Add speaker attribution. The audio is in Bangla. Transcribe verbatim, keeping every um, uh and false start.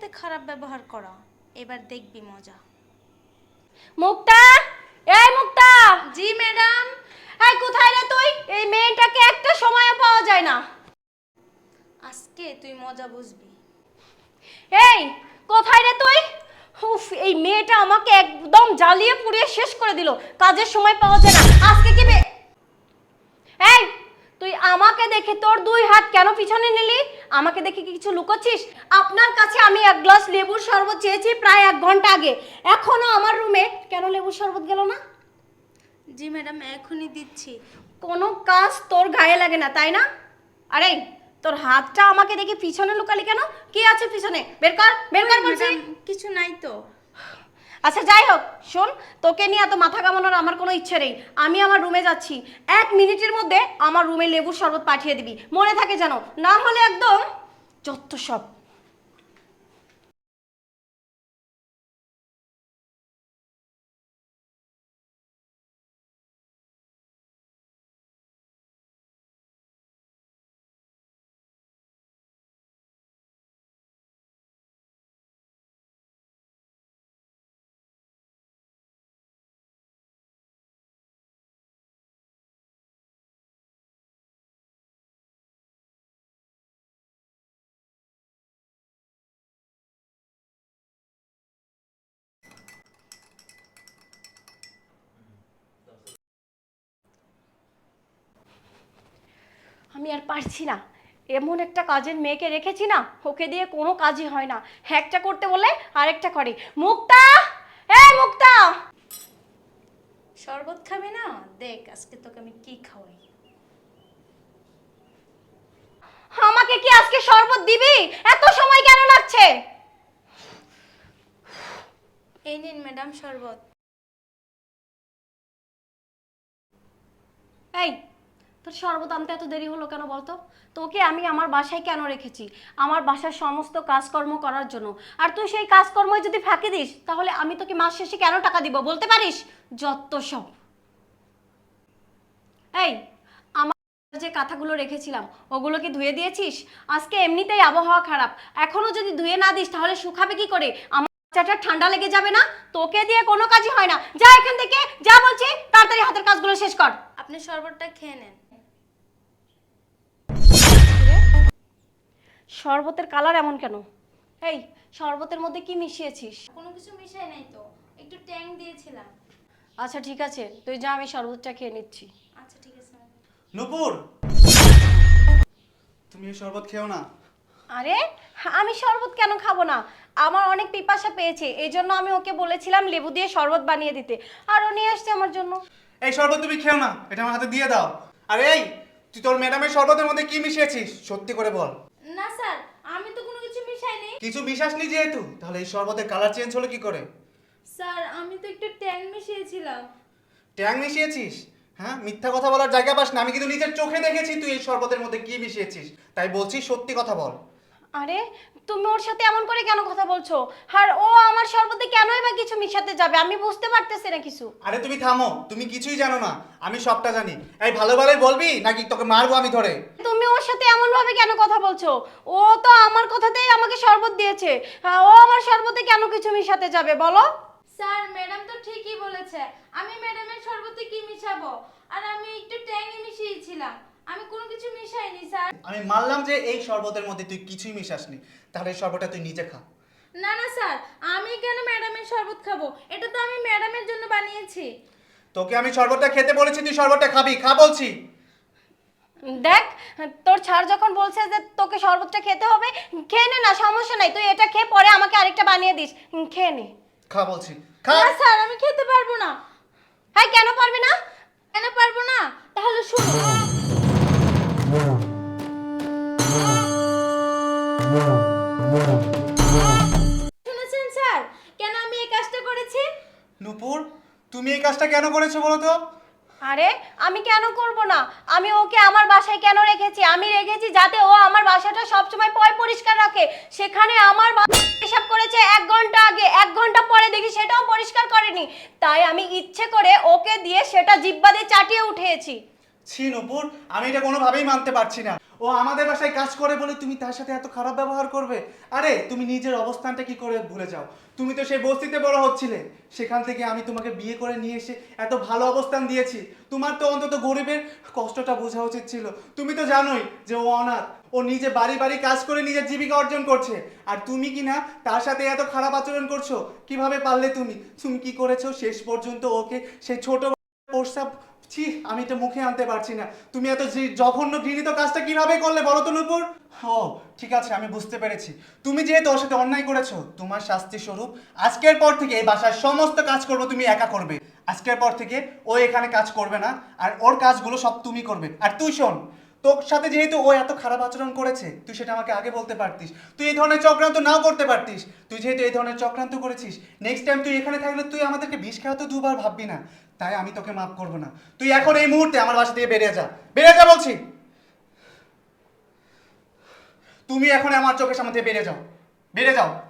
Speaker 1: খারাপ ব্যবহার করা, এবার দেখবি মজা।
Speaker 2: মুক্তা, এই মুক্তা।
Speaker 1: জি ম্যাডাম।
Speaker 2: এই কোথায় রে তুই? এই মেয়েটাকে একটা সময়ও পাওয়া যায় না।
Speaker 1: আজকে তুই মজা বুঝবি।
Speaker 2: এই কোথায় রে তুই? উফ, এই মেয়েটা আমাকে একদম জ্বালিয়ে পুড়িয়ে শেষ করে দিল। কাজের সময় পাওয়া যায় না। আজকে কি বে- এই তুই আমাকে দেখে তোর দুই হাত কেন পিছনে নিলি? আমাকে দেখে কি কিছু লুকোচ্ছিস? আপনার কাছে আমি এক গ্লাস লেবুর শরবত চেয়েছি প্রায় এক ঘন্টা আগে, এখনো আমার রুমে কেন লেবুর শরবত গেল না?
Speaker 1: জি ম্যাডাম, এখনই দিচ্ছি।
Speaker 2: কোনো কাজ তোর গায়ে লাগে না তাই না? আরে তোর হাতটা আমাকে দেখে পিছনে লুকালি কেন? কি আছে পিছনে? বের কর, বের কর বলছি।
Speaker 1: ম্যাডাম, কিছু নাই তো।
Speaker 2: আচ্ছা যাই হোক, শোন, তোকে নিয়ে এত মাথা কামানোর আমার কোনো ইচ্ছে নেই। আমি আমার রুমে যাচ্ছি, এক মিনিটের মধ্যে আমার রুমে লেবুর শরবত পাঠিয়ে দিবি, মনে থাকে যেন, না হলে একদম যত সব। আমি আর পারছি না, এমন একটা কাজের মেয়েকে রেখেছি না, ওকে দিয়ে কোনো কাজই হয় না। একটা করতে বলে আরেকটা করে। মুক্তা, এই মুক্তা।
Speaker 1: শরবত খাবি না? দেখ আজকে তোকে আমি কি খাওয়াই।
Speaker 2: আমাকে কি আজকে শরবত দিবি? এত সময় কেন লাগছে?
Speaker 1: এই নিন ম্যাডাম শরবত।
Speaker 2: এই তোর শরবত আনতে এত দেরি হলো কেন বলতো? তোকে আমি আমার বাসায় কেন রেখেছি? আমার বাসার সমস্ত কাজকর্ম করার জন্য। আর তুই সেই কাজকর্মই যদি ফাঁকি দিস, তাহলে আমি তোকে মাস শেষে কেন টাকা দিব বলতে পারিস? যত সব। এই আমার যে কাঁথাগুলো রেখেছিলাম, ওগুলো কি ধুয়ে দিয়েছিস? আজকে এমনিতেই আবহাওয়া খারাপ, এখনো যদি ধুয়ে না দিস তাহলে শুকাবে কি করে? আমার বাচ্চাটা ঠান্ডা লেগে যাবে না? তোকে দিয়ে কোনো কাজই হয় না, যা এখান থেকে, যা বলছি, তাড়াতাড়ি হাতের কাজগুলো শেষ কর।
Speaker 1: আপনি শরবতটা খেয়ে নেন।
Speaker 2: শরবতের কালার এমন কেন? এই শরবতের মধ্যে কি মিশিয়েছিস?
Speaker 1: কোনো কিছু মিশাই নাই তো, একটু ট্যাং দিয়েছিলাম।
Speaker 2: আচ্ছা ঠিক আছে, তুই যা, আমি শরবতটা খেয়ে নিচ্ছি।
Speaker 1: আচ্ছা ঠিক আছে।
Speaker 3: নূপুর, তুমি এই শরবত খেও না।
Speaker 2: আরে আমি শরবত কেন খাবো না? আমার অনেক পিপাসা পেয়েছে, এই জন্য আমি ওকে বলেছিলাম লেবু দিয়ে শরবত বানিয়ে দিতে, আর ও নিয়ে আসছে আমার জন্য।
Speaker 3: এই শরবত তুমি খেও না, এটা আমার হাতে দিয়ে দাও। আর এই, তুই তোর ম্যাডামের শরবতের মধ্যে কি মিশিয়েছিস সত্যি করে বল।
Speaker 1: না স্যার, আমি তো কোনো কিছু মিশাইনি।
Speaker 3: কিছু বিশ্বাসনি যেহেতু, তাহলে এই শরবতের কালার চেঞ্জ হলো কি করে?
Speaker 1: স্যার আমি তো একটু ট্যাং মিশিয়েছিলাম।
Speaker 3: ট্যাং মিশিয়েছিস? হ্যাঁ, মিথ্যা কথা বলার জায়গা পাস না। আমি কিন্তু নিজের চোখে দেখেছি তুই এই শরবতের মধ্যে কি মিশিয়েছিস, তাই বলছি সত্যি কথা বল।
Speaker 2: আরে তুমি ওর সাথে এমন করে কেন কথা বলছো? আর ও আমার শরবতে কেনই বা কিছু মিশাতে যাবে? আমি বুঝতে পারতেছি না কিছু।
Speaker 3: আরে তুমি থামো, তুমি কিছুই জানো না, আমি সবটা জানি। এই ভালো ভালোই বলবি নাকি তোকে মারবো আমি ধরে?
Speaker 2: তুমি ওর সাথে এমন ভাবে কেন কথা বলছো? ও তো আমার কথাতেই আমাকে শরবত দিয়েছে, আহ, ও আমার শরবতে কেন কিছু মিশাতে যাবে বলো?
Speaker 1: স্যার ম্যাডাম তো ঠিকই বলেছে, আমি ম্যাডামের শরবতে কি মিশাবো? আর আমি একটু ট্যাংই মিশিয়েছিলাম, আমি কোনো কিছু মিশাইনি স্যার।
Speaker 3: আমি মানলাম যে এই শরবতের মধ্যে তুই কিছুই মিশাসনি, তাহলে এই শরবতটা তুই নিজে খা।
Speaker 1: না না স্যার, আমি কেন ম্যাডামের শরবত খাবো? এটা তো আমি ম্যাডামের জন্য বানিয়েছি।
Speaker 3: তোকে আমি শরবতটা খেতে বলেছি, তুই শরবতটা খাবি, খা বলছি।
Speaker 2: দেখ, তোর ছাড় যখন বলছে যে তোকে শরবতটা খেতে হবে, খেয়ে নে না, সমস্যা নাই। তুই এটা খেয়ে পরে আমাকে আরেকটা বানিয়ে দিস, খেয়ে নে।
Speaker 3: খা বলছি, খা।
Speaker 1: না স্যার, আমি খেতে পারবো না।
Speaker 2: হ্যাঁ কেন পারবি না?
Speaker 1: কেন পারবো না? তাহলে শুনো। শুনেছেন স্যার, কেন আমি এই কাজটা করেছি?
Speaker 3: নূপুর, তুমি এই কাজটা কেন করেছো বলো তো?
Speaker 2: আরে আমি কেন করব না? আমি ওকে আমার বাসায় কেন রেখেছি? আমি রেখেছি যাতে ও আমার বাসাটা সবসময় পয় পরিষ্কার রাখে। সেখানে আমার হিসাব করেছে এক ঘন্টা আগে, এক ঘন্টা পরে দেখি সেটাও পরিষ্কার করেনি। তাই আমি ইচ্ছে করে ওকে দিয়ে সেটা জিব্বা দিয়ে চাটিয়ে উঠেছি।
Speaker 3: ছি নূপুর, আমি এটা কোনোভাবেই মানতে পারছি না। ও আমাদের বাসায় কাজ করে বলে তুমি তার সাথে এত খারাপ ব্যবহার করবে? আরে তুমি নিজের অবস্থানটা কি করে ভুলে যাও? তুমি তো সেই বস্তিতে বড় হচ্ছিলে, সেখান থেকে আমি তোমাকে বিয়ে করে নিয়ে এসে এত ভালো অবস্থান দিয়েছি। তোমার তো অন্তত গরিবের কষ্টটা বোঝা উচিত ছিল। তুমি তো জানোই যে ও অনাথ, ও নিজে বাড়ি বাড়ি কাজ করে নিজের জীবিকা অর্জন করছে, আর তুমি কি না তার সাথে এত খারাপ আচরণ করছো? কিভাবে পারলে তুমি? তুমি কি করেছো শেষ পর্যন্ত ওকে সেই ছোট প্রস্তাব, ছি আমি এটা মুখে আনতে পারছি না। তুমি এত জি- জঘন্য ঘৃণিত কাজটা কিভাবে করলে বলো তো নূপুর? ও ঠিক আছে, আমি বুঝতে পেরেছি। তুমি যেহেতু ওর সাথে অন্যায় করেছো, তোমার শাস্তি স্বরূপ আজকের পর থেকে এই বাসার সমস্ত কাজ করবো তুমি একা করবে। আজকের পর থেকে ও এখানে কাজ করবে না, আর ওর কাজগুলো সব তুমি করবে। আর তুই শোন, তোর সাথে যেহেতু ও এত খারাপ আচরণ করেছে, তুই সেটা আমাকে আগে বলতে পারতিস। তুই এই ধরনের চক্রান্ত নাও করতে পারতিস। তুই যেহেতু এই ধরনের চক্রান্ত করেছিস, নেক্সট টাইম তুই এখানে থাকলে তুই আমাদেরকে বিষ খাওয়াতে দুবার ভাববি না। তাই আমি তোকে মাফ করবো না। তুই এখন এই মুহূর্তে আমার বাসা থেকে বেরিয়ে যা, বেরিয়ে যা বলছি। তুমি এখন আমার চোখের সামনে থেকে বেরিয়ে যাও, বেরিয়ে যাও।